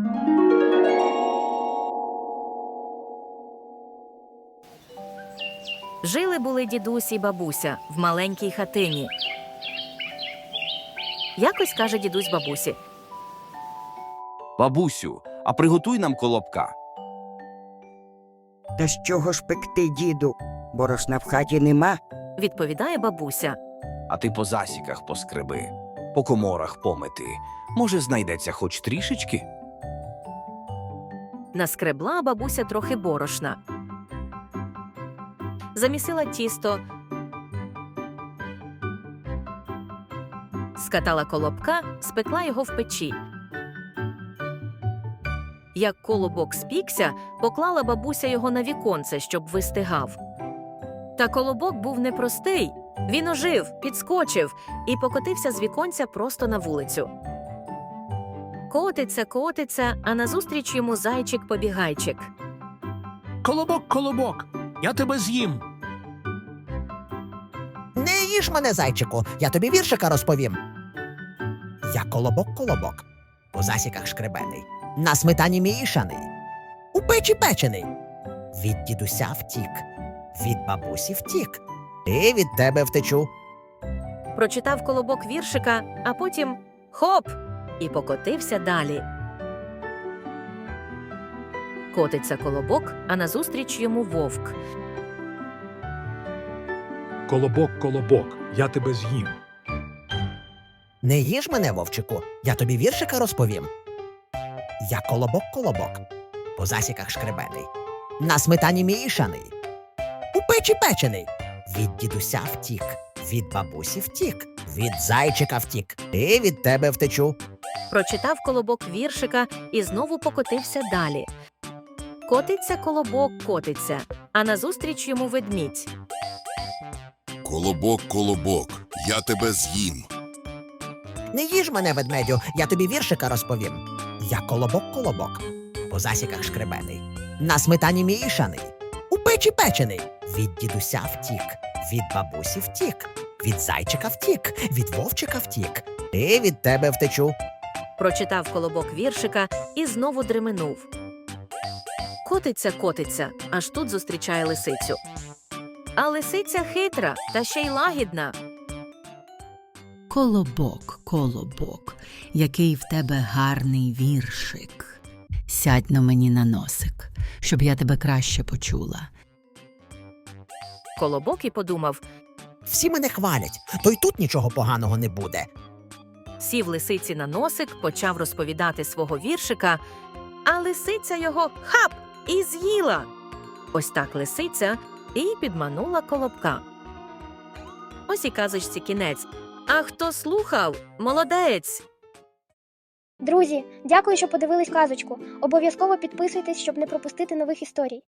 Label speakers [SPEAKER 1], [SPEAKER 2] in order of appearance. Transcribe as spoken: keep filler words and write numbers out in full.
[SPEAKER 1] Жили-були дідусь і бабуся в маленькій хатині. Якось каже дідусь бабусі:
[SPEAKER 2] Бабусю, а приготуй нам колобка.
[SPEAKER 3] Та з чого ж пекти, діду? Борошна в хаті нема.
[SPEAKER 1] відповідає бабуся.
[SPEAKER 2] А ти по засіках поскреби, по коморах помити. Може, знайдеться хоч трішечки?
[SPEAKER 1] Наскребла бабуся трохи борошна. Замісила тісто, скатала колобка, спекла його в печі. Як колобок спікся, поклала бабуся його на віконце, щоб вистигав. Та колобок був непростий. Він ожив, підскочив і покотився з віконця просто на вулицю. Котиться, котиться, а назустріч йому зайчик-побігайчик.
[SPEAKER 4] Колобок, колобок, я тебе з'їм.
[SPEAKER 5] Не їж мене, зайчику, я тобі віршика розповім. Я колобок-колобок, по засіках шкребений, на сметані мішаний, у печі печений. Від дідуся втік, від бабусі втік, і від тебе втечу.
[SPEAKER 1] Прочитав колобок віршика, а потім – хоп! І покотився далі. Котиться колобок, а назустріч йому вовк.
[SPEAKER 4] Колобок, колобок, я тебе з'їм.
[SPEAKER 5] Не їж мене, вовчику, я тобі віршика розповім. Я колобок-колобок, по засіках шкребений, на сметані мішаний, у печі печений. Від дідуся втік, від бабусі втік, від зайчика втік, і від тебе втечу.
[SPEAKER 1] Прочитав колобок віршика і знову покотився далі. Котиться колобок, котиться, а назустріч йому ведмідь.
[SPEAKER 6] Колобок, колобок, я тебе з'їм.
[SPEAKER 5] Не їж мене, ведмедю, я тобі віршика розповім. Я колобок-колобок, по засіках шкребений, на сметані мішаний, у печі печений. Від дідуся втік, від бабусі втік, від зайчика втік, від вовчика втік, і від тебе втечу.
[SPEAKER 1] Прочитав колобок віршика і знову дременув. Котиться, котиться, аж тут зустрічає лисицю. А лисиця хитра та ще й лагідна.
[SPEAKER 7] Колобок, колобок, який в тебе гарний віршик. Сядь на мені на носик, щоб я тебе краще почула.
[SPEAKER 1] Колобок і подумав,
[SPEAKER 5] Всі мене хвалять, то й тут нічого поганого не буде.
[SPEAKER 1] сів лисиці на носик, почав розповідати свого віршика, а лисиця його хап і з'їла. Ось так лисиця і підманула колобка. Ось і казочці кінець. А хто слухав – молодець!
[SPEAKER 8] Друзі, дякую, що подивились казочку. Обов'язково підписуйтесь, щоб не пропустити нових історій.